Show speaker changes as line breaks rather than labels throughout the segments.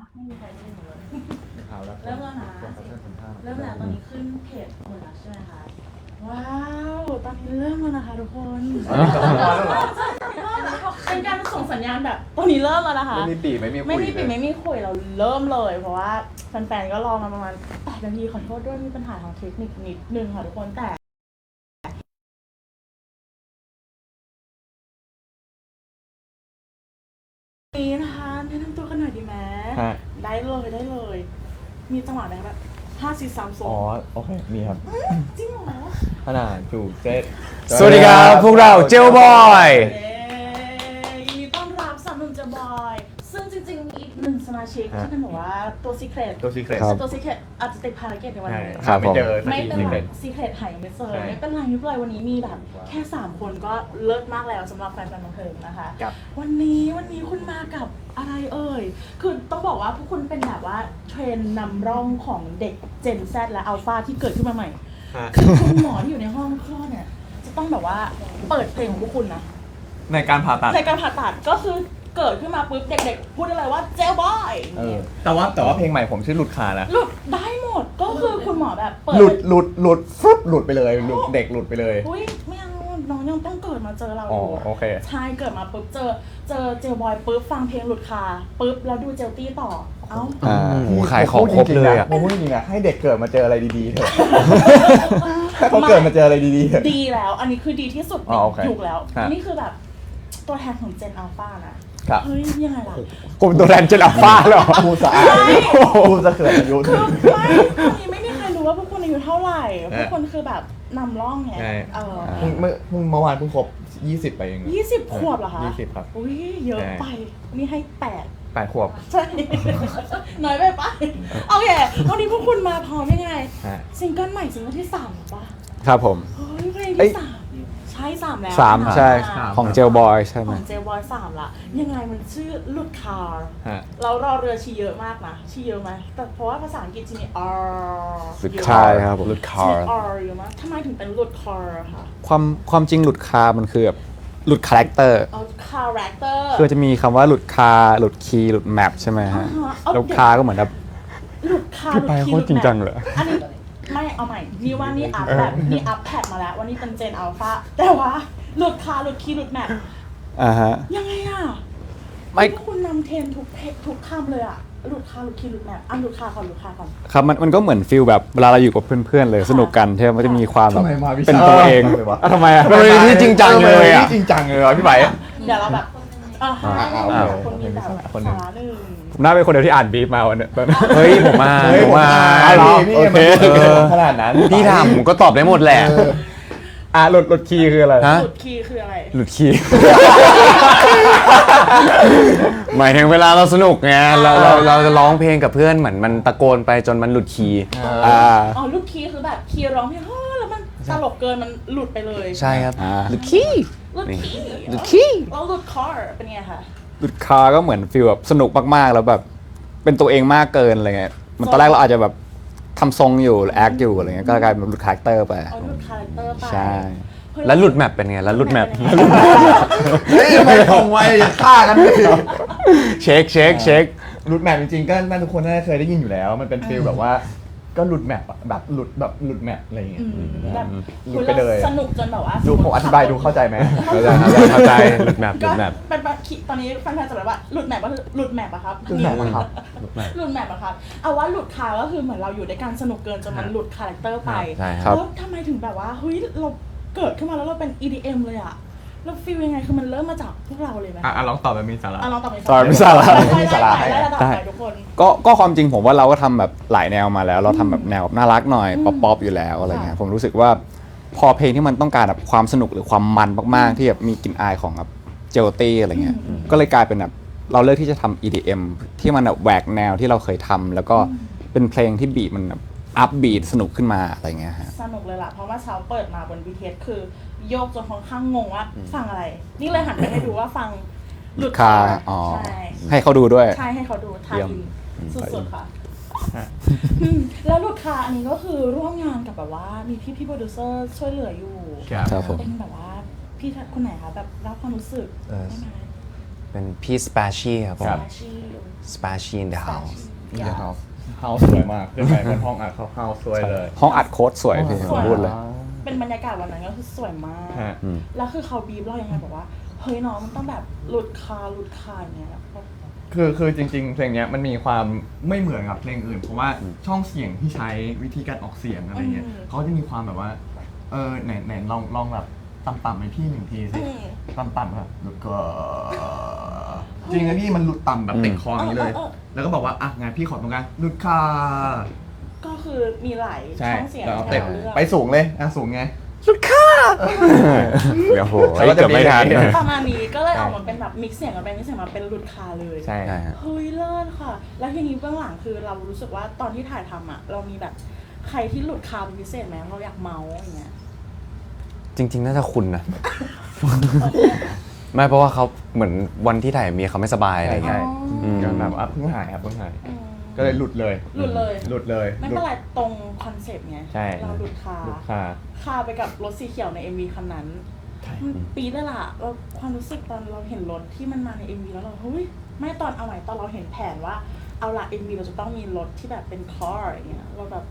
ไม่มีใครได้ยินเลย
ข่าวแล้ว
เริ่มแล้วนะเริ่มแล้วตอนนี้ขึ้นเพจหมดแล้วใช่ไหมคะว้าวตอนนี้เริ่มแล้วนะคะทุกคนเป็นการส่งสัญญาณแบบตอนนี้เริ่มแล้วนะคะ
ไม่มีปีไม่มีคุย
ไม่มีปิดไม่มีคุยเราเริ่มเลยเพราะว่าแฟนๆก็รอมาประมาณ8 นาทีขอโทษด้วยมีปัญหาทางเทคนิคนิดนึงค่ะทุกคนแต่นี้นะคะแนะนำตัวกันหน่อยดีไหมได้เลยมีจังหวะไหนแบบ5 4 3
อ๋อ
2
โอเคมีครับ
จริงเหรอ
ขนาดถูกเจ็ด
สวัสดีครับพวกเราเจลบอย
ยินดีต้อนรับสามหนุ่มเจบอยซึ่งจริงๆอีกหนึ่งสมาชิกที่เป็นแบบว่าตัวซีเครต
ตัวซีเครต
ตัวซีเครตอาจจะติดภารกิจในวันนี้
ครับ
ไม่เจอสัก
ไม่
ที
เป็น
ซี
ไร
เครต
ซีเครตหายยังไม่เจอ
ใช่
ไม่เป็นไรวันนี้มีแบบแค่ 3 คนก็เลิศมากแล้วสำหรับแฟนๆบันเทิงนะคะ
ครับ
วันนี้คุณมากับอะไรเอ่ยคือต้องบอกว่าพวกคุณเป็นแบบว่าเทรนด์นำร่องของเด็ก Gen Z และอัลฟาที่เกิดขึ้นมาใหม่คือคุณหมอที่อยู่ในห้องคลอดเนี่ยจะต้องแบบว่าเปิดเพลงของพวกคุณนะ
ในการผ่าตัด
ในการผ่าตัดก็คือเกิดขึ้นมาปุ๊บเด็กๆพูดได้เลยว่าเจลบอย
แต่ว่าเพลงใหม่ผมชื่อหลุดขานะ
หลุดได้หมดก็คือคุณหมอแบบเปิด
หลุดฟรุดหลุดไปเลยหลุดเด็กหลุดไปเลย
อุ้ยไม่เอาน้องยังต้องเกิดมาเจอเราอ
อ๋อยู่ โอเค
ใช่เกิดมาปุ๊บเจอเจลบอยปุ๊บฟังเพลงหลุดคาปุ๊บแล้วดูเจลตี้ต่อเอ้า
โหขายของครบเลยอ่ะ
ผมพูดจริงๆนะให้เด็กเกิดมาเจออะไรดีๆเถอะให้เขาเกิดมาเจออะไรดีๆเถอะ
ดีแล้วอันนี้คือดีที่สุดใน
อ๋อโอเค
ยุคแล้ว
ฮะ
นี่คือแบบตัวแทนของเจนอัลฟานะครับ เฮ้ยยังไงล่ะ
กลุ่มตัวแทนเจลอัลฟาเหรอ
พูดสะอาดพูดสะเขินอายุ
คือไม่มีใครรู้ว่าพวกคุณอายุเท่าไหร่พวกคุณคือแบบนำร่องไง
ใช่
เ
เมื่อวานเพิ่งครบ20ไปเอง
20 ขวบเหรอคะ
20ครับ
อุ้ยเยอะไปนี่ให้
8 ขวบ
8ใช่ น้อยไปปะโอเควันนี้พวกคุณมาพร้อมยังไง
ฮะ
ซิงเกิลใหม่ซิงเกิลที่3หรือปะ
ครับผม
เฮ้ยเพลง
เอ้
ที่
ย
3ใช่3แล้ว
3
นะ
ใช่
สาม
ของเจลบอยใช่ไห
ข
ม
องเจลบอย3ละยังไงมันชื่อลุดคาร์
ฮะ
เรารอเรือชีเยอะมากนะชีเยอะไหมแต่เพราะว่าภาษาอังกฤษจะมี R
หลุดคาร์ครับผมหลุดคาร์
มี R เยอะมากทำไมถึงเป็นลุดคาร์คะ
ความจริงหลุดคาร์มันคือแบบหลุดคาแรคเตอร์
เอาคาแรคเตอร์
คือจะมีคำว่าหลุดคาร์หลุดคีย์หลุดแมปใช่ไหมฮะ
เอา
แล้วคาร์ก็เหมือนแบบ
หลุดคา
พี่ไปโคตรจริงจังเลย
อันนี้ไม่เอาใหม่นี่ว่านี่อัพแบบนี่อัพแพดมาแล้ววันนี้เป็นเจนอัลฟาแต่ว่าหลุดคาหลุดคีย์หลุดแมป
ฮะ
ยังไงอ่ะ
ไม่
นี่คุณนำเทรนทุกเพจทุกคำเลยอ่ะหลุดคาหลุดคีย์หลุดแมปหลุดคาก่อน
ครับมันก็เหมือนฟิลแบบเวลาเราอยู่กับเพื่อนๆเลยสนุกกันที่มันจะมีความแบบ
ทำไมมาวิชา
เป็นตัวเอง
เลยวะ
ทำไมอ่ะมันเป็นที่จริงจังเลยอ่ะ
จริงจังเลยวะพี่ใบ
เดี๋ยวเราแบบให้
โอเค
คนมีแบบ
คนหนึ่ง
สาระหนึ่ง
ผมน่าเป็นคนเดียวที่อ่านบีฟมาวันเนี้ยเฮ้ยผมมา
เฮ้ย
ผมมา
พี่
โอเค
ขนาดนั้น
พี่ถามผมก็ตอบได้หมดแหละหลุดคีย์คืออะไร
หลุดคีย์คืออะไร
หลุดคีย์ หมายถึงเวลาเราสนุกไงเราจะร้องเพลงกับเพื่อนเหมือนมันตะโกนไปจนมันหลุดคีย์
อ๋อหลุดคีย์คือแบบคีย์ร้องเพลงเฮ้ยแล้วมันตลกเกินมันหลุดไปเลย
ใช่ครับหลุดคีย์
หลุดคีย์
หลุดคีย์
แล้วหลุดคอร์เป็นไงคะ
หลุดคาร์ก็เหมือนฟีลแบบสนุกมากๆแล้วแบบเป็นตัวเองมากเกินอะไรเงี้ยมันตอนแรกเราอาจจะแบบทำทรงอยู่แอคอยู่อะไรเงี้ยก็กลายเป็นหลุดคาแรคเตอร์ไป
เอาหลุดคาแรคเตอร์ไป
ใช่
เฮ้ย
แล้วหลุดแมปเป็นไงแล้วหลุดแมป
เฮ้ยไม่ตรงไว้อย่าฆ่ากันเลย
เช็ค
หลุดแมปจริงๆก็น่าทุกคนน่าจะเคยได้ยินอยู่แล้ว มันเป็นฟีลแบบว่าก็หลุดแมปอะแบบหลุดแมปอะไรอย่างเงี้ย
แบบ
หลุดไปเลย
สนุกจนแบบว่า
ดูผมอธิบายดูเข้าใจไหม
เข้าใจหลุดแมปหลุ
ก็
ดแมป
เป็นแบบตอนนี้แฟนๆจะแบบว่าหลุดแมปก็คือหลุดแมปอะครับ
หลุดแมปอะครับ
หลุดแมปอะครับเอาว่าหลุดคาก็คือเหมือนเราอยู่ด้วยกันสนุกเกินจนมันหลุดคาแรคเตอร์ไป
ใช่ครับ
แล้วทำไมถึงแบบว่าเฮ้ยเราเกิดขึ้นมาแล้วเราเป็น EDM เลยอะเราฟีลยังไงคือมันเริ่มมาจากพวกเราเลยไหม
ลองตอบแบบมีสาระ
ลองตอบ
ตอบไม่ทราบ
มีสาระให้
ได้ระดับไหนทุกคน
ก็ความจริงผมว่าเราก็ทำแบบหลายแนวมาแล้ว เราทำแบบแนวน่ารักหน่อยป๊อปอยู่แล้วอะไรเงี้ยผมรู้สึกว่าพอเพลงที่มันต้องการแบบความสนุกหรือความมันมากๆที่แบบมีกลิ่นอายของแบบเจลตี้อะไรเงี้ยก็เลยกลายเป็นแบบเราเลือกที่จะทำ EDM ที่มันแบบแหวกแนวที่เราเคยทำแล้วก็เป็นเพลงที่บีทมันแบบอัพบีทสนุกขึ้นมาอะไรเงี้ยฮะ
สนุกเลยล่ะเพราะว่าเช้าเปิดมาบน BTS คือโยกจนค่อนข้างงงว่าฟังอะไร นี่เลยหันไปให้ดูว่าฟังหลุด
คา
ใช่
ให้เขาดูด้วย
ใช่ให้เขาดูทา
เยี่ยม
อินสุดๆค่ะแล้วหลุดคาอันนี้ก็คือร่วมงานกับแบบว่ามีพี่โปรดิวเซอร์ช่วยเหลืออยู่
ครับผม
เป็นแบบว่าพี่คนไหนคะแบบรับความรู้สึกได้ไหม
เป็นพี่สเปเชียครับผ
ครั
ม
บ
สเปเชีย in the house
เดี๋ยวเฮาสวยมากขึ้นไปบนห้องอัดเฮาสวยเลย
ห้องอัดโค้ดสวยพี่ผมพูดเลย
เป็นบรรยากาศวันนั้นก็คือสวยมาก
ฮะ
แล้วคือเขาบีบเรายังไงบอกว่าเฮ้ยน้องมันต้องแบบหลุดคาอย่างเงี้ยแบบ
คือจริงๆ เพลงเนี้ยมันมีความไม่เหมือนกับเพลงอื่น เพราะว่าช่องเสียงที่ใช้วิธีการออกเสียงอะไรเงี้ยเขาจะมีความแบบว่าไหนลองแบบต่ำๆให้พี่หนึ่งทีสิต่ำๆครับแล้วก็จริงนะพี่มันหลุดต่ำแบบติดคออย่างนี้เลย แล้วก็บอกว่าอ่ะงั้นพี่ขอตรงกลางหลุดคา
ก็คือมีหลาย
ใช่
ช่องเสียง
แล้ว
ให้
เต็ม
เราเลือก
ไปสูงเลยสูงไง
เดี๋ยวโหเกือบไม่ทัน
ประมาณนี้ก็เลยออกมาเป็นแบบมิกซ์เสียงกับมิกซ์เสียงมาเป็นหลุดคาเลย
ใช่
ใช่ฮะ
เฮ้ยเลิศค่ะ แล้วทีนี้เบื้องหลังคือเรารู้สึกว่าตอนที่ถ่ายทำอ่ะ เรามีแบบใครที่หลุดคาเป็นพิเศษไหมเราอยากเมาส์อย่างเงี้ย
จริง ๆ น่าจะคุณนะ ไม่เพราะว่าเขาเหมือนวันที่ถ่ายมีเขาไม่สบายอะไร
ใช่
เงี้ย
ก็แบบเพิ่งหายครับเพิ่งหาย
อืม
ก็เลยหลุดเลย
หลุดเลย
หลุดเลย
ไม่เป็นไรตรงคอนเซปต์ไง
ใช่
เราหลุดคา
หลุดคา
คาไปกับรถสีเขียวใน MV คันนั้น
ใช่
มันปีดเลยล่ะเราความรู้สึกตอนเราเห็นรถที่มันมาใน MV แล้วเราเฮ้ยไม่ตอนเอาใหม่ตอนเราเห็นแผนว่าเอาละ MV เราจะต้องมีรถที่แบบเป็นคาร์อย่างเงี้ยเราแบบ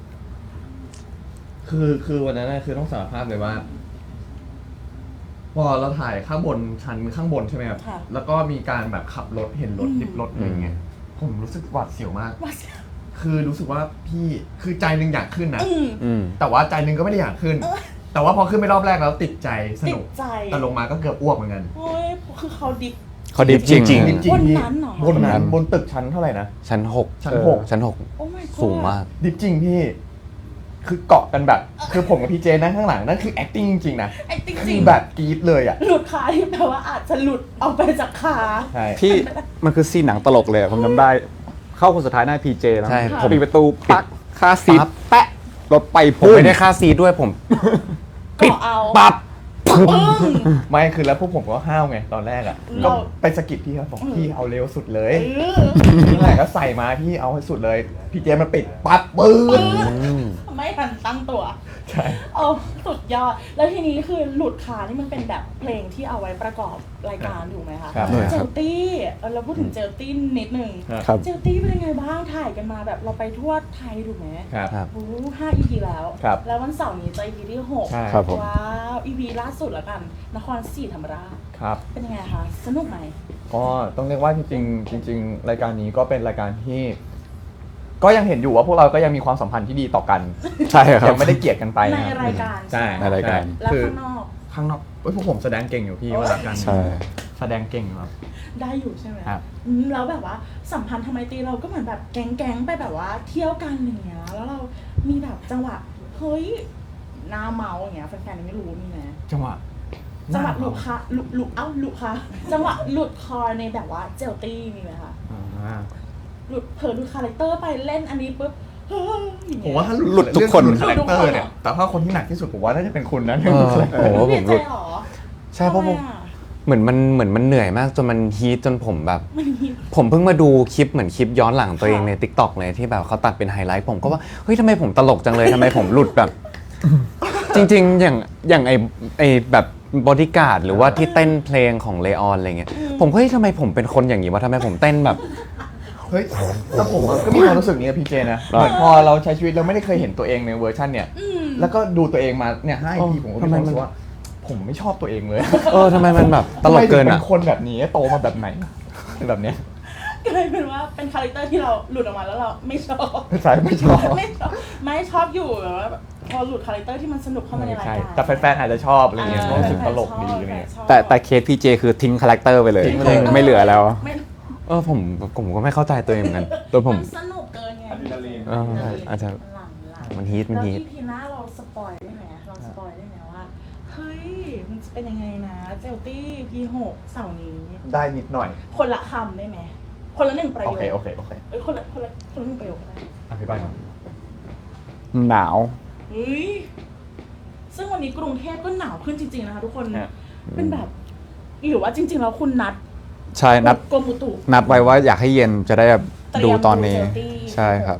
คือวันนั้นนะคือต้องสารภาพเลยว่า พอเราถ่ายข้างบนชั้นข้างบนใช่ไหมครับ
ค่ะ
แล้วก็มีการแบบขับรถเห็นรถดิบรถอะไรเงี้ยผมรู้สึกหวาดเสียวมาก
ว่า
คือรู้สึกว่าพี่คือใจหนึ่งอยากขึ้นนะ
อืม
แต่ว่าใจหนึ่งก็ไม่ได้อยากขึ้น แต่ว่าพอขึ้นไปรอบแรกแล้วติดใจส
ติ
นุ
ด
ก
ใจ
แต่ลงมาก็เกือบอ้วกเหมือนกัน
เฮ้ยคือเขาดิบ
เขาดิฟจริง
จริง
จริงๆพี่
บนนั้นเหรอ
บนนั้นบนตึกชั้นเท่าไหร่นะ
ชั้น 6
ชั้น
ชั้น
โอ้ my god
6 สูงมาก
ดิบจริงพี่ คือเกาะกันแบบ คือผมกับพี่เจนั่งข้างหลังนั่นคือ acting จริงๆนะ
ไอ้จริง
คือแบบกรี๊ดเลยอ่ะ
หลุดคาที่แปลว่าอาจจะหลุดออกไปจากคา
ใช่
พี่มันคือซีนหนังตลกเลยผมจำได้ เข้าคนสุดท้ายหน้าพีเจแล้ว
ใช่
ผมปิดประตูปักคาซีท
ปั๊บ
แปะรถไป
ผมไม่ได้ค่าซีทด้วยผม
ก็เอา
ปั๊บ
ปึ้ง
ไม่คือแล้วพวกผมก็ห้าวไงตอนแรกอ่ะ
เรา
ก็ไปสะกิดพี่เขาบอกพี่เอาเร็วสุดเลย
เออ
นี่แหละก็ใส่มาพี่เอาให้สุดเลย พี่เจมันปิดปั๊บปื้น
ไม่ทันตั้งตัว
ใช่
เอาสุดยอด แล้วทีนี้คือหลุดคานี่มันเป็นแบบเพลงที่เอาไว้ประกอบรายการถูกไหมคะ
ครับ
เจลตี้เราพูดถึงเจลตี้นิดนึง
ครับ
เจลตี้เป็นยังไงบ้างถ่ายกันมาแบบเราไปทั่วไทยถูกไหม
ครับ
ครับ
โอ้5 EP แล้ว
ครับ
แล้ววันเสาร์นี้จะ EP ที่6
ใช่
ครับผม
ว้าว EP ล่าสุดแล้วกัน นครศรีธรรมราช
ครับ
เป็นยังไงคะ สนุกไหม
ก็ต้องเรียกว่าจริงๆรายการนี้ก็เป็นรายการที่ ก็ยังเห็นอยู่ว่าพวกเราก็ยังมีความสัมพันธ์ที่ดีต่อกัน
ใช่ครับ
ยังไม่ได้เกลียดกันไป
ใน
นะครับ
รายการ
ใช่
ในรายการ
แล้ว
คือ
ข้างนอก
ข้างนอกเอ้ยพวกผมแสดงเก่งอยู่พี่ว่ากัน
ใช่
แสดงเก่งครับ
ได้อยู่ใช่ไหม
ครับ
แล้วแบบว่าสัมพันธ์ทำไมตรีเราก็เหมือนแบบแก๊งๆไปแบบว่าเที่ยวกันอย่างเงี้ย แล้วเรามีแบบจังหวะ เฮ้ยหน้าเมาอย่างเงี้ยแฟนๆไม่รู้นี่นะ
จังหวะ
จังหวะหลุดคาหลุดหลุดคาจังหวะหลุดคอในแบบว่าเจลตี้มีไหมคะ
อ่า
หลุดเผลอหลุดคาแรคเตอร์ไปเล่นอันนี้ปุ๊บเฮ้ยอย่าง
ผ
เงี้
ม
ย
ว่าถ้า
หลุดทุกคน
เรื่องหลุดคาแรคเตอ
หลุดทุกคน
ร์เนี่ย แต่ถ้าคนที่หนักที่สุดผมว่าน่าจะเป็นคุณนะ
เออ โอ้โห
เป
ผ
ลี่ย
ม
น
ห
ใจ
ลุด
เหรอ
ใช่เพราะผม
ทำไมอะ
เหมือนมันเหนื่อยมากจนมันฮีทจนผมแบบ
มันฮิต
ผมเพิ่งมาดูคลิปเหมือนคลิปย้อนหลังตัวเอง
ค่ะ
ใน t ิ k t o k เลยที่แบบเขาตัดเป็นไฮไลท์ผมก็ว่า เฮ้ยทำไมผมตลกจังเลยทำไมผมหลุดแบบ จริงๆ อย่างไอแบบบอดี้การ์ดหรือว่าที่เต้นเพลงของเลออนอะไรเงี้ยผมก็เฮ้ยทำไมผมเป็นคนอย่างนี้วะทำไมผมเต้นแบบ
เฮ้ยแต่ผมก็มีความรู้สึกนี้กับพี่เจนะเหมือนพอเราใช้ชีวิตเราไม่ได้เคยเห็นตัวเองในเวอร์ชันเนี่ย แล้วก็ดูตัวเองมาเนี่ย5 EP ผมก็มีความรู้สึกว่า ผมไม่ชอบตัวเองเลย
เออทำไมมันแบบตลกเกิน
ทำไมถึง
อ่ะ
เป็นคนแบบนี้โตมาแบบไหนเป็นแบบเนี้ย
กลายเป็นว่าเป็นคาแรคเตอร์ที่เราหลุดออกมาแล้วเราไม่ชอบ
ใช่ไม่ชอบ
ไม่ชอบอยู่แบบว่าพอหลุดคาแรคเตอร์ที่มันสนุกเข้ามาในราย
ใช่
การ
แต่แฟนๆอาจจะชอบอะไรเงี้ย
อ่า
รู้สึกตลกดีอะไรเงี้ย
ชอบ
แต่เคสพีเจคือทิ้งคาแรคเตอร์ไปเลย
ทิ้งไปเลย
ไม่เหลือแล้ว
ไม่
เออผมก็ไม่เข้าใจตัวเองเหมือนกันตัวผม
นสนุกเกินไง
เอออาจจะ
หลัง
มันฮีท
แล้ว
ฮีท
ที่พีหน้าเราสปอยได้ไหมเราสปอยได้ไหมว่าเฮ้ยมันจะเป็นยังไงนะเจลตี้พี6เสาร์นี้
ได้นิดหน่อย
คนละคำได้ไหมคนละ1 ประโย
โอ
ค
เคโอเคโอเค
เอ้ยคนละ1 ประโยคได้
อธิบายหน่อย
หนาว
เฮ้ยซึ่งวันนี้กรุงเทพก็หนาวขึ้นจริงๆนะคะทุกคน
ฮะ
เป็นแบบหรือว่าจริงๆแล้วคุณนัด
ใช่นัด
กรมอุตุ
นัดไว้ว่าอยากให้เย็นจะได้แบบ
เตรียม
ดูตอนนี้
ดู Chelsea
ใช่ครับ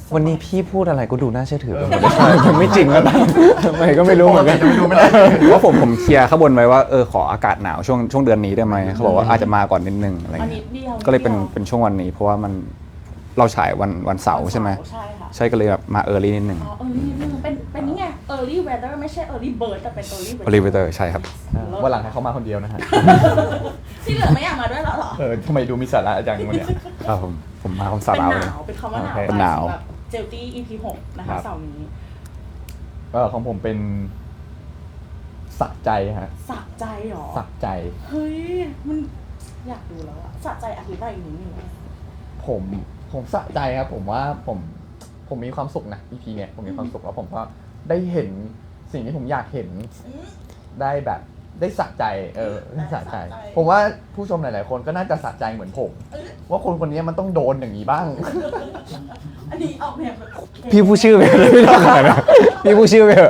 วันนี้พี่พูดอะไรก็ดูน่าเชื่อถือไปหมดเลยมันไม่จริงแล้วนะทำไมก็ไม่รู้เหมือนกัน
ว่าผมเคลียร์ข้างบนไว้ว่าขออากาศหนาวช่วงเดือนนี้ได้ไหมเขาบอกว่าอาจจะมาก่อนนิดนึงอะไร
อัน
เงี้
นี้
ย
เดียว
ก็เลยเป็นช่วงวันนี้ เพราะว่ามันเราฉายวันเสาร์ใช่ไหม
ใช่ค่ะ
ใช่ก็เลยแบบมานิดนึง
อ๋อearly นิดนึงเป็นนี่ไง early weather ไม่ใช่ early bird แต่เป็น early weather
โอลิเวเตอร์ใช่ครับ
วันหลังให้เขามาคนเดียวนะฮะ
ที่เหลือไม่อยากมาด้วยแล้วเหรอ
ทำไมดูมีสาระจังวันเนี้ย
ครับผมมาสา
เป็น
ราว
ห
เลย
นาวเป็นคำว่าหนาว
โอเค
เป็นหนาว
สำรับเจลตี้ EP 6 นะคะ
ครับ
เสาร์นี้
ของผมเป็นสะใจฮะ
สะใจเหรอ
สะใจ
เฮ้ย มันอยากดูแล้วอะสะใจอธิบายอีกนิดนึงไหม
ผมสะใจครับผมว่าผมมีความสุขนะ EP เนี่ยผมมีความสุขแล้วผมก็ได้เห็นสิ่งที่ผมอยากเห็น
อืม
ได้แบบได้สะใจได้สะใจ ผมว่าผู้ชมหลายๆคนก็น่าจะสะใจเหมือนผม ว่าคนคนนี้มันต้องโดนอย่างนี้บ้าง
อันนี้ออกแนวแบบ
พี่พูดชื่อไปเลยไม่ต้องขนาดนั้นพี่พูดชื่อไปเถอะ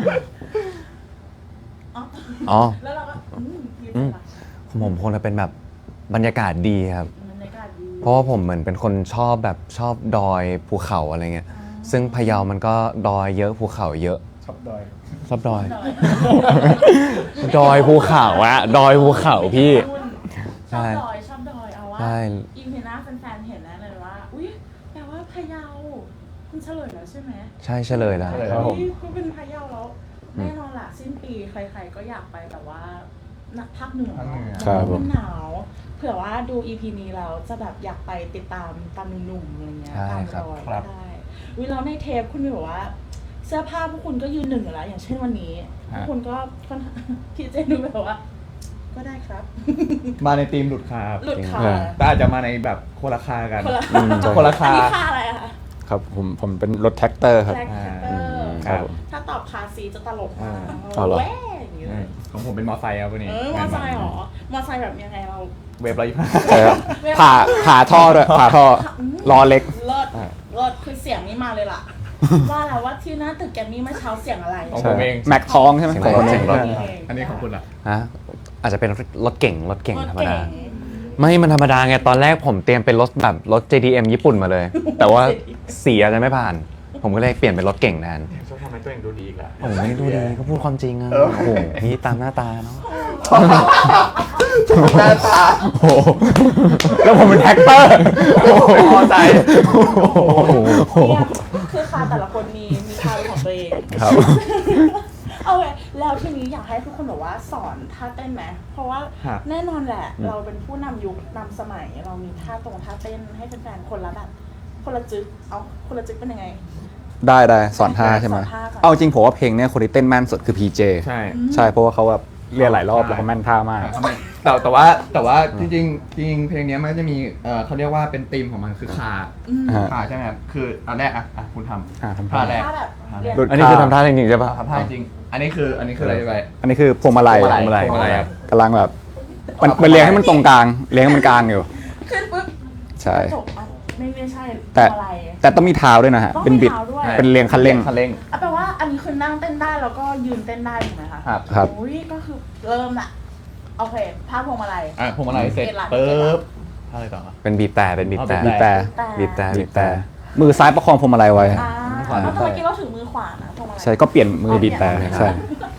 อ๋อ
แล้วเราก็ยืน
อืม
ไป
ผมคงจะเป็นแบบบรรยากาศดีครับ
บรรยากาศดี
เพราะว่าผมเหมือนเป็นคนชอบดอยภูเขาอะไรเงี้ย ซึ่งพะเยามันก็ดอยเยอะภูเขาเยอะ
ชอบดอย
ชอบดอย ดอยภูเขาอะดอยภูเขาพี่
ชอบดอยชอบดอยเอาว่า
ใช่
อีพีหน้าแฟนๆเห็นแล้วเลยว่า อุ๊ยแปลว่าพะเยาคุณเฉลยแล้วใช่ไหม
ใช่เฉลยแล้ว
เฉลย
ครับผม
เฮ้ยก็เป็นพะเยาแล้วแน่นอนล่ะสิ้นปีใครๆก็อยากไปแบบว่าภาคเหนือ
ภาคเหนือ
ครับผม
มันหนาวเผื่อว่าดูอีพีนี้แล้วจะแบบอยากไปติดตามตามหนุ่มๆอะไรเงี้ย
ใช่
ตาม
ครับ
รอย
ครับ
ได้วิเราในเทปคุณมีบอกว่า เสื้อผ้าพวกคุณก็ยืนหนึ่งอยู่แล้ว อย่างเช่นวันนี้พวกคุณก็ค่อนข้าง พี่เจนดูแบบว่า ก็ได้ครับ
มาในทีมหลุดคาครับ
หลุดขา
แต่อาจจะมาในแบบคนละคากัน
คนละ
คนละคา
อันนี้ค่าอะไรอะคะ
ครับผมเป็นรถแท็กเตอร์ครับ
แท็กเตอร์
ครับผม
ถ้าตอบคาซีจะตลกมาก
อ๋อเหรอ
แว่อย่างนี้เลย
ของผมเป็นมอไซค์ครับวันนี้
มอไซค์เหรอมอไซค์แบบยังไงเรา
เว็บ125
ใช่ครับผ่าท่อด้วยผ่าท่อล้อเล็ก
เลิศเลิศคือเสียงนี้มาเลยล่ะ ว่าแล้วว่าที่หน้าตึกแกรมมี่เมื่อเช้าเสียงอะไร
ของผมเอง
แม็กท้องใช่ไหม
เสียง
ของผม
เสียงรถ
อันนี้ของคุณล่ะ
ฮะอาจจะเป็นรถเก่งธรรมดา
เก่ง
ไม่มันธรรมดาไง ตอนแรกผมเตรียมเป็นรถแบบรถ JDM ญี่ปุ่นมาเลย แต่ว่าเสียจะไม่ผ่าน ผมก็เลยเปลี่ยนเป็นรถเก่งแทน
ชอบทำให้ตัวเองดูดีอีกแล้ว
ผมไม่ได้ดูดีก็พูดความจริงอะโอ้โหนี่ตามหน้าตาเนาะ
หน้าตา
โอ้โหแล้วผมเป็นแท็กเตอร์
พอใจ
เนี่ยคือคาแต่ละคนมีคาเป็นของตัวเอง
ครับ
เอาไว้แล้วทีนี้อยากให้ทุกคนแบบว่าสอนท่าเต้นไหมเพราะว่า
ครับ
แน่นอนแหละ เราเป็นผู้นำยุคนำสมัย เรามีท่าเต้นให้แฟนๆคนละแบบคนละจึ๊กเอาคนละจึ๊กเป็นยังไง
ได้สอนท่าใช่ไหม
สอนท่าก่อน
เอาจริงผมว่าเพลงเนี้ยคนที่เต้นแม่นสุดคือ PJ
ใช่
ใช่เพราะว่าเขาแบบเรียนหลายรอบแล้วเขาแม่นท่ามาก
แต่ว่าจริงเพลงนี้มันก็จะมีเขาเรียกว่าเป็นธีมของมันคือคา
ฮะ
คาใช่ไหมครับคืออันแรกอ่ะคุณทำ
ทำ
ท่าแรก
ท่าแบบเรียน
หลุด
อันนี้คือทำท่าจริงๆใช่ปะ
ทำท่าจริงอันนี้คืออะไรไป
อันนี้คือพวงมาลัย
พวงมาลัยครับ
กำลังแบบมันเรียงให้มันตรงกลางเรียงให้มันกลางอยู่
ขึ้นปุ๊บ
ใช่
จบอ่ะไม่ใช่
แต่
อะไร
แต่ต้องมีเท้าด้วยนะฮะ
ต้องมี
เป็นบิด
เท้าด้วย
เป็นเรียงคันเร่ง
คันเร่ง
แปลว่าอันนี้คือนั่งเต้นได้แล้วก็ยืนเต้นได้ถูกไหมคะ
ครับ
ครับ
โอ้ยก็คือเริ่มละโอเคภาพพวงมาลัย
พวงมาลัยเสร็จ
เสร็จละ
ปุ๊บอะไรต่อ
เป็นบีบแต่เป็นบีบแต่
อ๋อ
บีบแต่
บีบแต่บีบแต่
มือซ้ายประคองพวงมาลัยไว้
อ่าแล้วเมื่อกี้เราถือมือขวานะพวงมาลัย
ใช่ก็เปลี่ยนมือบีบแต่
เปลี่ยน
ใช่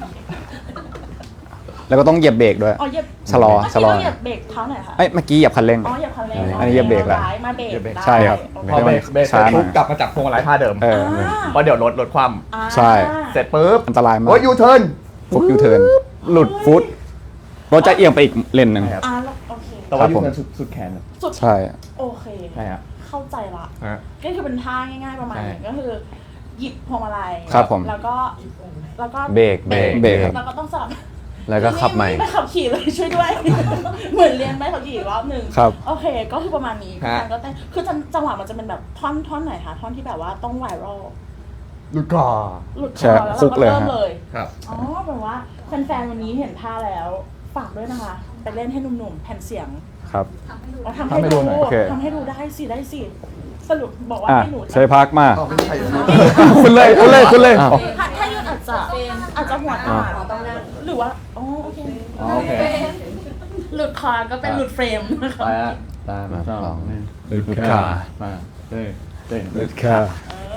แล้วก็ต้องเหยียบเบรกด้วย
อ๋อเหยียบ
ชะลอ
เมื่อ
ชะ
กี้
ลอ
เราเหยียบเบรกเท้าไหนคะ
เอ้ยเมื่อกี้เหยียบคันเร่ง
อ๋อเหยียบคันเร่ง
อันนี้เหยียบเบรกแล้ว
ซ้ายมาเบรกได้
ใช่ครับ
โอ
พอ
เค
เบรกเสร็จ
ช้าหน่อย
ปุ๊บกลับมาจับพวงมาลัยท่าเดิม
เออ
เพราะเดี๋ยวลดความ
อ่า
ใช่
เสร็จปุ๊บ
อันตรายมาก
โอ้ยยูเทิร์น
ฟุตยูเทิร์นหลุดฟุตรถจะเอียงไปอีกเลนหนึ่ง
ใช่ครับ
อ่าแล้วโอเค
แต่ว่า
ครับ
ยู
ผม
เทิร์นสุดแขน
สุด
ใช่
โอเค
ใช่ครับ
เข้าใจละ
ฮะ
ก็คือเป็นท่าง่ายๆประมาณ
ใช่
นี้ก็คือหยิบพวงมาลัย
ครับผม
แล้วก็
เบรก
เบรกครับ
แล้วก็ต้องสลับ
แล้วก็ขับใหม่
ไม่ขับขี่เลยช่วยด้วย เหมือนเรียนไม่ขับขี่อีกรอบหนึ่ง
ครับ
โอเค ก็คือประมาณนี้
ฮะ
การก็เต้นคือจังหวะมันจะเป็นแบบท่อนไหนคะท่อนที่แบบว่าต้องไวรัล
หลุดก่อ
หลุดค
ใช่
อแล้ว
คุ
เรา
ก
ก็
เลย
เริ่ม
ฮะ
เลย
ครับ
อ๋อแปลว่าแฟนๆวันนี้เห็นท่าแล้วฝากด้วยนะคะไปเล่นให้หนุ่มๆแผ่นเสียง
ครับ
เราทำ
ทำให้
ให้
ดู
ดู
หน่อย
โอเค
ทำให้ดูได้สิสรุปบอกว่า
อ่ะ
ให้หนู
ใช้พักมา
อ๋อไม่ใช่
คุณเลย
อ้าว
ถ้ายืนอาจจะหัวหน้าหรือว่าอ๋อโอเค
อ๋อโอเค
หลุดคอก็เป็นหลุดเฟรมนะคะ
ไปละตาม
มา
ช่อง
ลอง
นี่
หลุด
ขา
มาเต้น
หลุดค่ะ
เออ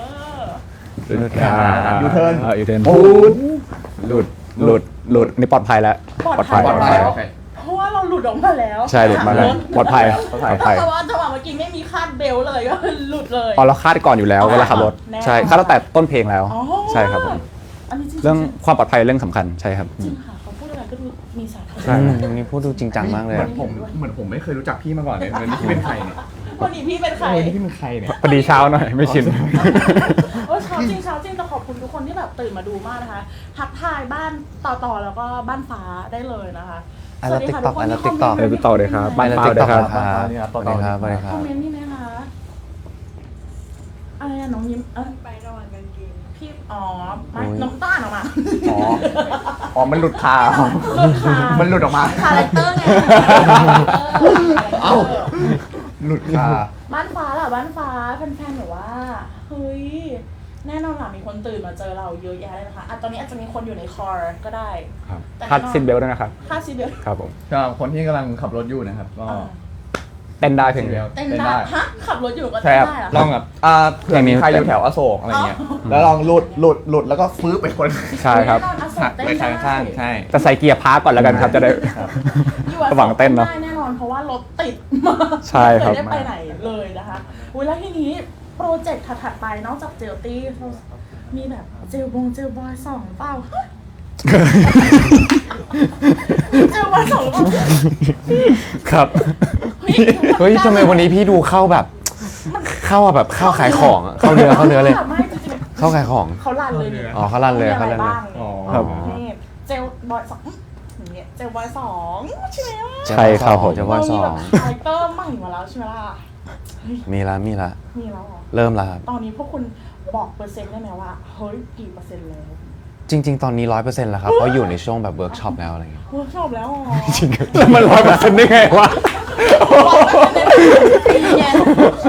หลุด
ยูเทิร์น
ยูเทิร์นหลุดนี่ปลอดภัยแล้ว
ปลอดภัย
ปลอดภัย
แล้วเพราะว่าเราหลุดออกมาแล้ว
ใช่หลุดมาแล้วปลอดภัยปลอดภัย
แต่ว่าจังหวะเมื่อกี้ไม่มีคาดเบลต์เลยก็หลุดเลย
พอเราคาดก่อนอยู่แล้วเวลาขับรถ
แน่
ใช่คาดตั้งแต่ต้นเพลงแล้ว
อ๋อ
ใช่ครับผม
อันนี้จริงๆ
เรื่องความปลอดภัยเรื่องสำคัญใช่ครับ
จริงค่ะเขาพูดอะไรก็ดูมีสาระ
ใช่
วันนี้พูดดูจริงจังมากเลย
เหมือนผมไม่เคยรู้จักพี่มาก่อนเลยเหมือนนี่พี่เป็นใครเนี่ย
วันนี้พี่เป็นใคร
นี่พี่เป็นใครเนี่ย
พอดีเช้าหน่อยไม่ชิน
โอ้เช้าจริงแต่ขอบคุณทุกคนที่แบบตื่นมาดูมากนะคะทักทายบ้านต่อแล้วก็บ้านฟ้าได้เลยนะคะ
I love
สวัสดีค่ะ
TikTok
ทุกคน
I love
ที่คอมเมนต์
TikTok
เออไปต่อเลยครับ
ไปแล้ว
บ้าน
ติ๊กต็อก
ค
ค
รั
รับ บ
ต่อ
สวัสดีครับสวัสดีค
ครับ อมเมนต์นี่ไหมคะอะไรอะน้องยิ้มไประหว่างกางเกงพี่อ๋อไม่น้องต้านออกมา
อ๋อมันหลุดคา
หลุดค่ะ
มันหลุดออกมา
คาแรคเตอร์ไง
เอ้า หลุดคา
บ้านฟ้าล่ะบ้านฟ้าแฟนๆแบบว่าเฮ้ยแน่นอนล่ะมีคนตื่นมาเจอเราเยอะแยะเลยนะคะตอนนี้อาจจะมีคนอยู่ในคอร์ก็ได้
ครับ
แต่
คาดซินเบลต์ด้วยนะครับ
ค่าซีเบล
ครับผม
สำหรับคนที่กำลังขับรถอยู่นะครับก็
เต้นได้เพลงเดียว
เต้นได้ฮะขับรถอยู่ก็
ใช่
เต้น
ครับ
ได้เหรอ
ลองแบบเผื่อมีใครอยู่แถวอโศกอะไรเงี้ยแล้วลองหลุดแล้วก็ฟื้นไปคน
ใช่ครับ
แน่นอนอโศ
หั
ก
ก
เต้น
ไป
ได้
ข้างๆใช่
แต่ใส่เกียร์พาร์กก่อนแล้วกันครับจะได้
อยู่อโศก
ระหว่างเต้นเนอะ
ได้แน่นอนเพราะว่ารถติดมาก
ใช่ครับ
ไม่ได้ไปไหนเลยนะคะอุ้ยแล้วทีนี้โปรเจกต์ถัดๆไปนอกจากเจลตี้มีแบบเจลบอยสองเปล่า เจลบอยสองเปล่า
ครับ
เฮ้ยทำไมวันนี้พี่ดูเข้าแบบเข้าแบบเข้าขายของอะเข้าเนื้อเลย
ไม่จริงๆ
เข้าขายของ
เขาลั่นเลยนี่
อ๋อเขาลั่นเลย
มี
เขา
อะไร
ลั่นเลย
บ้าง
อ๋อ
ครับ
นี่เจลบอยสองอย่างเงี้ยเจลบอยสองใช่ไหมล่ะ
ใช่ครับผม
จะว่าส
มี
อ
แบบ
ง
คาแรคเตอร์ใหม่มาแล้วใช่ไหมล่ะ
มีละ
มีแล้วเหรอ
เริ่มแล้วครับ
ตอนนี้พวกคุณบอกเปอร์เซ็นต์ได้ไหมว่าเฮ้ยกี่เปอร์เซ็นต์แล้ว
จริง ๆ ตอนนี้ 100%แล้วครับเพราะอยู่ในช่วงแบบเวิร์กช็อปแล้วอะไรเงี้ย
เวิร์กช็อปแล้วอ๋อ
แล้วมัน100%ได้ไงวะ
ปีเย็น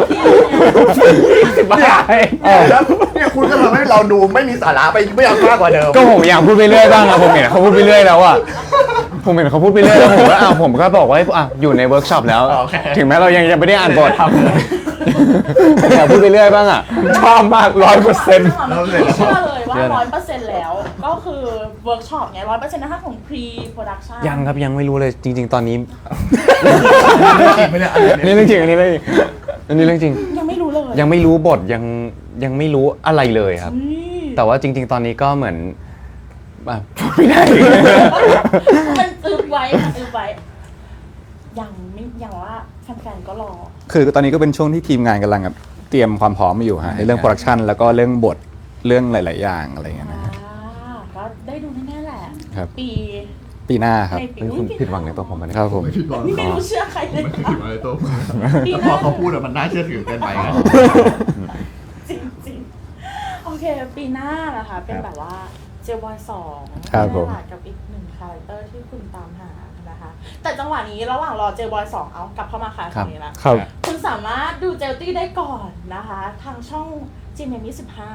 บ้า
แล้วเนี่ยคุณก็ทำให้เราดูไม่มีสาระไปไม่อยากมากกว่าเดิม
ก็ผมอยากพูดไปเรื่อยบ้างอะผมเห็นเขาพูดไปเรื่อยแล้วอะผมเห็นเขาพูดไปเรื่อยแล้วผมก็ผมก็บอกว่าอยู่ในเวิร์กช็อปแล้ว
โอเค
ถึงแม้เรายังไม่ได้อ่านบทผมอยากพูดไปเรื่อยบ้างอะ
ชอบมาก 100%
เชื่อเลยว่า 100%แล้ว ก็คือเวิร์กช็อปไง100%นะคะของ pre production
ยังครับยังไม่รู้เลยจริง ๆ ตอนนี้
ไม่ได้
อันนี้เรื่องจริงอันนี้เรื่องจริง
ยังไม่รู้เลย
ยังไม่รู้บทยังไม่รู้อะไรเลยครับ
เฮ้ย
แต่ว่าจริง ๆ ตอนนี้ก็เหมือนพูดไม่ได้
มันอึบไว้ยังว่าแฟนๆก็รอ
คือตอนนี้ก็เป็นช่วงที่ทีมงานกำลังแบบเตรียมความพร้อมอยู่ฮะในเรื่องโปรดักชันแล้วก็เรื่องบทเรื่องหลาย ๆ อย่างอะไรอย่างเงี้ยนะฮะ
ก็ได้ดูแน่ๆแหละ
ครับ
ปี
หน้าครับ
ในปี
เฮ้ยคุณผิดหวังในตัวผมไหมเนี่ย
ครับผม
ไม่ผิดหวัง
นี่ไม่รู้เชื่อใครเลย
ไม่ผิดหวังในตัวผม
ปีห
พ
น้า
อเขาพูดอะมันน่าเชื่อถือเกินไปไง
จริงๆโอเค ปีหน้านะคะเป็นแบบว่าเจลบอยสอง
ครับผม
นี่แหละกับอีกหนึ่งคาแรคเตอร์ที่คุณตามหานะคะ แต่จังหวะนี้ระหว่างรอเจลบอยสองเอากลับเข้ามาค่ะตรงนี้ละ
ครับ
คุณสามารถดูเจลตี้ได้ก่อนนะคะ ทางช่อง GMM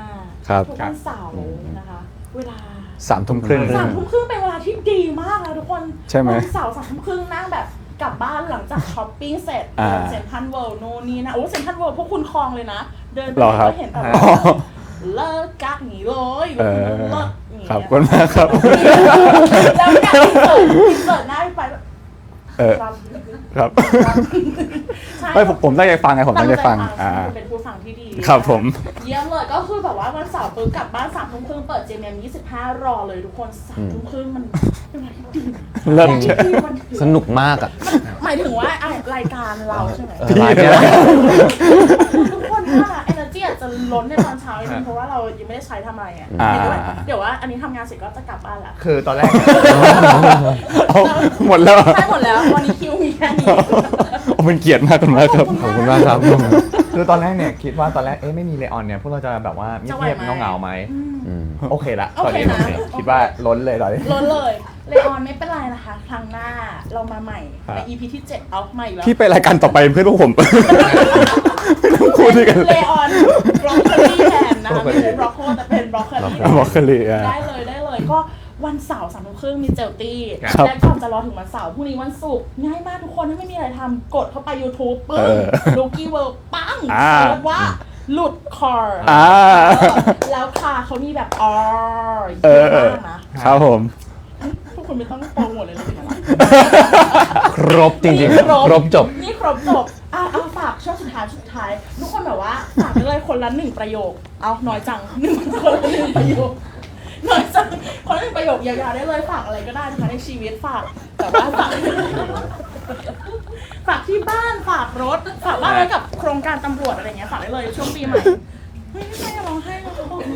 25
ครับ
ทุกวันเสาร์นะคะ เวลา
3 ทุ่มครึ่ง
3 ทุ่มครึ่งเป็นเวลาที่ดีมากนะทุกคน
ใช่ไหม
วันเสาร์3 ทุ่มครึ่งนั่งแบบกลับบ้านหลังจากช้อปปิ้งเสร็จ
อ่า
เซ็นทรัลเวิลด์โน่นนี่นะโอ้เซ็นทรัลเวิลด์พวกคุณคลองเลยนะ เดินไป
หรอครับ
ก็เห็นแบบ
อ๋อ
เลิกกักหนีเลย
เออ
เลิกอย่างเงี้ย
ครับขอบคุณมากครับ
แล้วการอินเสิร์ตหน้าไปแบบ
เออ
รับ
ครับ
ใช่
ไม่ผมตั้งใจฟังไงผมตั้งใจฟัง
ใช่คุณเป็นผู้ฟังที่ดี
ครับผม
เยี่ยมเลยก็คือแบบว่าวันเสาร์ปุ๊บกลับบ้าน3 ทุ่มครึ่งเปิด JMM 25 รอเลยทุกคน3 ทุ่มครึ่งมันเป็นอะไรที่ดี
เลิศ
มันดีมันดี
สนุกมากอะ
หมายถึงว่าอ่ะรายการเราใช่ไหม
พี่
ไลฟ์เนี่ย
ทุกคนว่า energy อาจจะล้นในตอนเช้านิดนึงเพราะว่าเรายังไม่ได้ใช้ทำอะไรอ่ะ
อ่า
เดี๋ยวว่าอันนี้ทำงานเสร็จก็จะกลับบ้านละ
คือตอนแรก
เอาหมดแล้ว
ใช่หมดแล้ววันนี้คิวมีแค่นี้
โอ้เป็นเกียรติมากคุณมากครับ
ขอบคุณมากครับ
คือตอนแรกเนี่ยคิดว่าตอนแรกไม่มีเลออนเนี่ยพวกเราจะแบบว่าเงียบๆเงาๆไหม
อืม
โอเคละ
โอ
ตอน
เค
นี้
นะ
โอเคคิดว่าล้นเลยตอนนี้
ล้นเลยเลออนไม่เป็นไรนะคะ ครั้งหน้าเรามาใหม่
ครับ
ใน EP ที่ 7 เอาใหม่อีกแล้ว
พี่ไปรายการต่อไปเป็นเพื่อนพวกผม ไม่ต้องคุยด้วยกัน
เลออนบรอกโคลีแทนนะคะไม่ใช่บรอกโคแต่เป็นบรอกโคลี
บอกกันเลยอ่ะ
ได้เลยก็วันเสาร์3 ทุ่มครึ่งมีเจลตี้
ครับ
และก่อนจะรอถึงวันเสาร์พรุ่งนี้วันศุกร์ง่ายมากทุกคนถ้าไม่มีอะไรทำกดเข้าไป YouTube ปึ้ง
เออ
ลูกี้เวิร์ปัง
อ่า
เสิร์ชว่าหลุดคอร์
อ่า
แล้วคาเขามีแบบออเย
เออ
อะมากนะครับ
ผม
พวกคุณไม่ต้องโปรโมทเลยเลยนะ
ครบจริง
นี่
ๆ ครบจบ
นี่ครบจบเอาฝากช่วงสุดท้ายทุกคนแบบว่าฝากไปเลยคนละ1ประโยค เอาน้อยจังคนละ1ประโยคน้อยจังคนละ1ประโยคยาวๆได้เลยฝากอะไรก็ได้นะคะในชีวิตฝากแต่ว่าฝากที่บ้านฝากรถฝากบ้านไว้กับโครงการตำรวจอะไรเงี้ยฝากได้เลยช่วงปีใหม่เฮ้ยไม่ร้องไห้แล้ว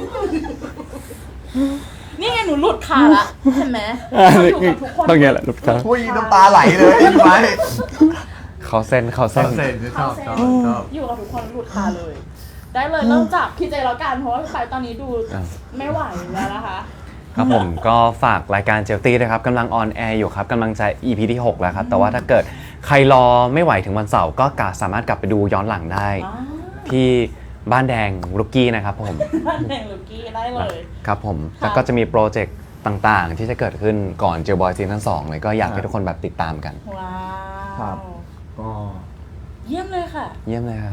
นี่ไงหนูหลุดขาละเห็นไหมเราอยู่กับทุกคน
ต้องเงี้ยแหละลูกค้า
อุ้ยน้ำตาไหลเลยพี่ไม้
เขาเส้น
ชอบชอบชอบ
อยู่กับทุกคนหลุดคาเลย ได้เลยเริ่มจากพี่เจแล้วกันเพราะว่าไปตอนนี้ดูไม่ไหวแล้วนะคะ
ครับผมก็ฝากรายการเจลตี้นะครับกำลังออนแอร์อยู่ครับกำลังจะ EP ที่ 6 แล้วครับ แต่ว่าถ้าเกิดใครรอไม่ไหวถึงวันเสาร์ก็สามารถกลับไปดูย้อนหลังได้
อ๋อ
ที่บ้านแดงรุกกี้นะครับผม
บ้านแดงลูกี้ได้เลย
ครับผม
ค่ะ
แล้วก็จะมีโปรเจกต์ต่างๆ ที่จะเกิดขึ้นก่อนเจลบอยซีซั่น2เลยก็อยากให้ทุกคนแบบติดตามกัน
ว้า
ครับ
ว
ก็
เยี่ยมเลยค่ะ
เยี่ยมเลยครับ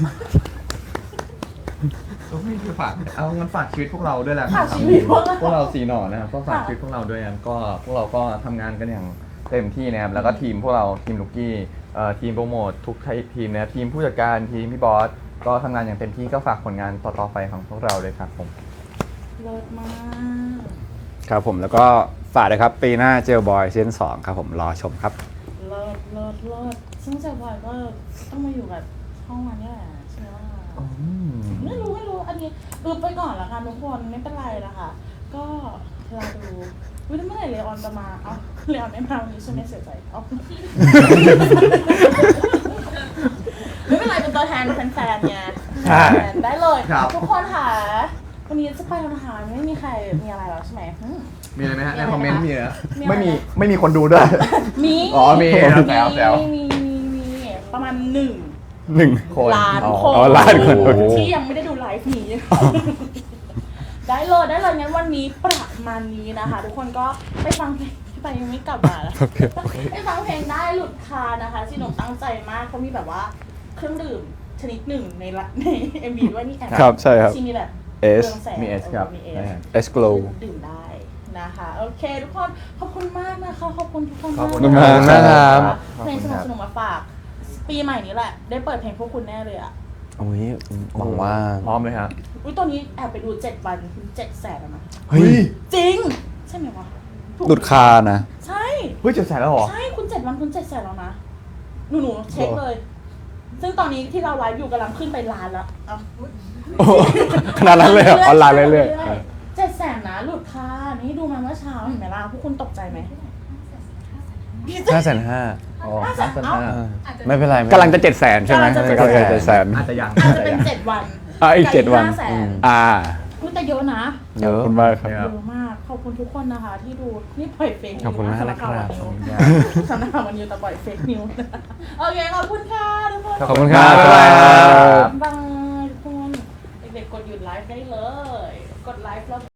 ก็ไม่คือฝากเอางั้นฝากชีวิตพวกเราด้วยแหละ
ฝากชีวิตพวกเรา
พวกเราสีหน่อนะครับก็ฝาก
ค่ะ
ชีวิตพวกเราด้วยกันก็พวกเราก็ทำงานกันอย่างเต็มที่นะครับแล้วก็ทีมพวกเราทีมลูกกี้ทีมโปรโมททุกทีมนะครับทีมผู้จัดการทีมพี่บอสก็ทำงานอย่างเต็มที่ก็ฝากผลงานต่อๆไปของพวกเราเลยครับผม
เลิศมาก
ครับผมแล้วก็ฝากนะครับปีหน้าเจลบอยซีซั่น2ครับผมรอชมครับ
เลิศซึ่งเซลบอยก็ต้องมาอยู่กับห้องวันนี่แหละใช่ไหมไม่รู้อันนี้ดูไปก่อนละกันทุกคนไม่เป็นไรละค่ะ ก็รอดูวิเมื่อไหร่เลออนจะมาเอาเลออนไม่มาวันนี้ใช่ไหมเสียใจเอา ไม่เป็นไรเป็นตัวแทนแฟนๆไง
ใช่
แฟนได้เลย
ครับ
ทุกคนค่ะวันนี้จะไปแล้วนะคะไม่มีใครมีอะไรแล้วใช่ไหม
มีอะไรไหมฮะ
มี
ใน
อะไร
คอมเมนต์
ไหม
มีนะ
มีอะไร
ไม่มีคนดูด้วย
มี
อ๋อมีครับแซว
มีประมาณ1
1
คน
ล้าน
อ๋อ
คน
อ๋อล้านคนโอเค
ที่ยังไม่ได้ดูไลฟ์นี้ ได้เลยงั้นวันนี้ประมาณนี้นะคะ ทุกคนก็ไปฟังเพลงที่ไปยังไม่กลับมาแล้วไปฟังเพลงได้หลุดคานะคะที่หนุ่มตั้งใจมากเขามีแบบว่าเครื่องดื่มชนิดหนึ่งในเอ็มวีด้วยนี่แอบ
ครับใช่ครับ
ที่มีแบบ
S
เรืองแสง
มี S ครับ
มี
ได้
S
ครับ
S Glow
ดื่มได้นะคะ โอเค ทุกคนขอบคุณมากนะคะขอบคุณทุกคน
ขอบคุณ
มาก
นะครับ
เพลงสนุกๆมาฝาก ปีใหม่นี้แหละ ได้เปิดเพลงพวกคุณแน่เลยอ่ะ
โอ้ยหวังว่า
พร้อมเลยฮะ
อุ้ยตอนนี้แอบไปดู7 วัน700,000แล้วนะ
เฮ้ย
จริง ใช่ไหมวะถูก
หลุดคานะ
ใช่
เฮ้ย700,000แล้วเหรอ
ใช่คุณ7 วันคุณ700,000แล้วนะหนูเช็คเลย ซึ่งตอนนี้ที่เราไลฟ์อยู่กำลังขึ้นไปล้านแล้วเอา
โอ้ขนาดนั้นเลยเหรอออนไลน์เรื่อย
700,000นะหลุดค่ะนี่ดูมาเมื่อเช้าเห็นไหมล่ะพวกคุณตกใจไหม
5,500,000
อ๋อ
ไม่เป็นไร
ๆกำลังจะ700,000ใช่ไหม
กำลังจะ
กำลังจะ700,000
อาจจะยัง
อาจจะเป็น7 วัน
อีก7 วัน
500,000
อ่า
อุ๊ยแต่เยอะนะ
เย
ขอบ
อะ
คุณมากครับ
เยอะมาก ขอบคุณทุกคนนะคะ ที่ดู นี่ปล่อยเฟกนิว
ขอบคุณมากนะครับ
สำนักข่าววันนิวแต่ปล่อยเฟกนิวโอเค ขอบคุณค่ะทุกคน
ขอบคุณครับ
บ๊ายบายครับ
บายทุกคน เด็กๆกดหยุดไลฟ์ได้เลย กดไลฟ์แล้ว